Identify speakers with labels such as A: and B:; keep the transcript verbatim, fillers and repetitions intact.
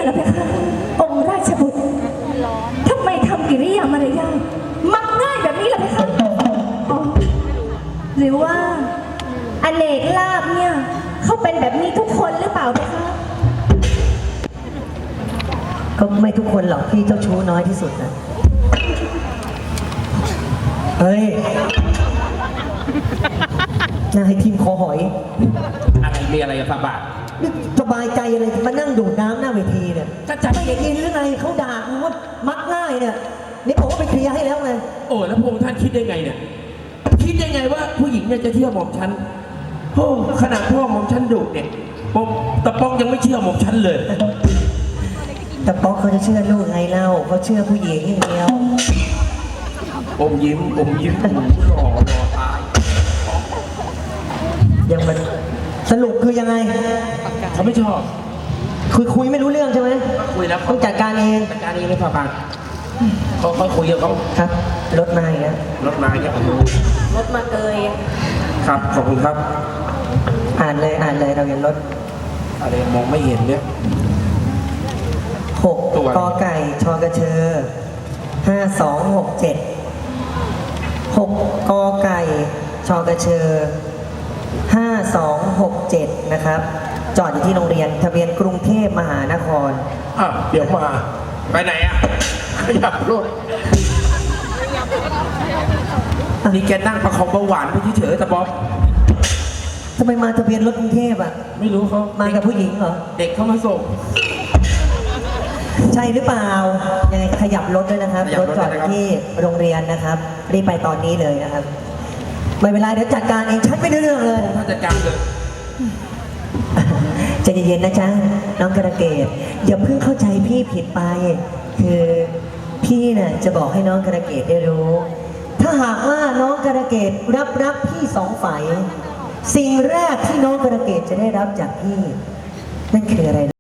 A: เหรอเพคะองค์ราชบุตรทำไมทำกิริยามารยาทมักง่ายแบบนี้ล่ะเพคะอ๋อหรือว่าอเนกลาบเนี่ยเขาเป็นแบบนี้ทุกคนหรือเปล่าเพคะ
B: ก็ไม่ทุกคนหรอกพี่เจ้าชู้น้อยที่สุดนะเฮ้ยนายทีมคอหอย
C: อะไรมีอะไรกับฝาบาท
B: นี่สบายใจอะไรมานั่งดูดน้ำหน้าเวทีเนี่ย
C: จะจัด
B: ไม่ได้ยินหรือไงเขาด่ากูว่ามักง่ายเนี่ยนี่บอกว่าไปเคลียร์ให้แล้วไง
C: โอ้แล้วพระองค์ท่านคิดได้ไงเนี่ยคิดได้ไงว่าผู้หญิงเนี่ยจะเชื่อหม่อมฉันโอ้ขนาดพ่อหม่อมฉันดุเนี่ยปกตะป้องยังไม่เชื่อหม่อมฉันเลย
B: แต่ป๊อกเขาจะเชื่อลูกไงเล่าเขาเชื่อผู้หญิงอย่างเดียว
C: อมยิ้มอมยิ้มหล่อหล่อตาย
B: ยังมันสรุปคือยังไง
C: เขาไม่ชอบ
B: คุยคุยไม่รู้เรื่องใช่ไหม
C: คุยแล้ว
B: ต้องจัดการเอง
C: จัดการเองเลยฝาบาทเขาเขาคุยกับเขา
B: ครับรถมาอีกแล้ว
C: รถมาเนี่ยโอ้โห
A: รถมาเกย
C: ครับขอบคุณครับ
B: อ่านเลยอ่านเลยเราเห็นรถ
C: อะไรมองไม่เห็นเนี่ย
B: หก
C: ตัว
B: กอไก่ชอกระเชอห้าสองหกเจ็ดหกกอไก่ชอกระเชอห้าสองหกเจ็ดนะครับ จอดอยู่ที่โรงเรียนทะเบียนกรุงเทพมหานคร
C: อ่ะเดี๋ยวมาไปไหนอ่ะขยับรถนี่แกนั่งประคองเบาหวานไปเฉยๆแต่บ๊อบ
B: ทำไมมาทะเบียนรถกรุงเทพอ่ะ
C: ไม่รู้เขา
B: มากับผู้หญิงเหรอ
C: เด็กเข้ามาส่ง
B: ใช่หรือเปล่า ยังไงขยับรถด้วยนะครับ
C: ขยับ
B: ร
C: ร
B: ถ
C: ถ
B: จอด
C: ด้วยนะครับ
B: ที่โรงเรียนนะครับ รีบไปตอนนี้เลยนะครับ ไม่เป็นไรเดี๋ยวจัดการเองชัดไม่ได้เรื่องเลย
C: ถ้าจัดการเลย
B: ใจเย็นๆนะจ๊ะน้องกระเกดอย่าเพิ่งเข้าใจพี่ผิดไป คือพี่น่ะจะบอกให้น้องกระเกดได้รู้ ถ้าหากว่าน้องกระเกดรับรับพี่สองฝ่ายสิ่งแรกที่น้องกระเกดจะได้รับจากพี่นั่นคืออะไร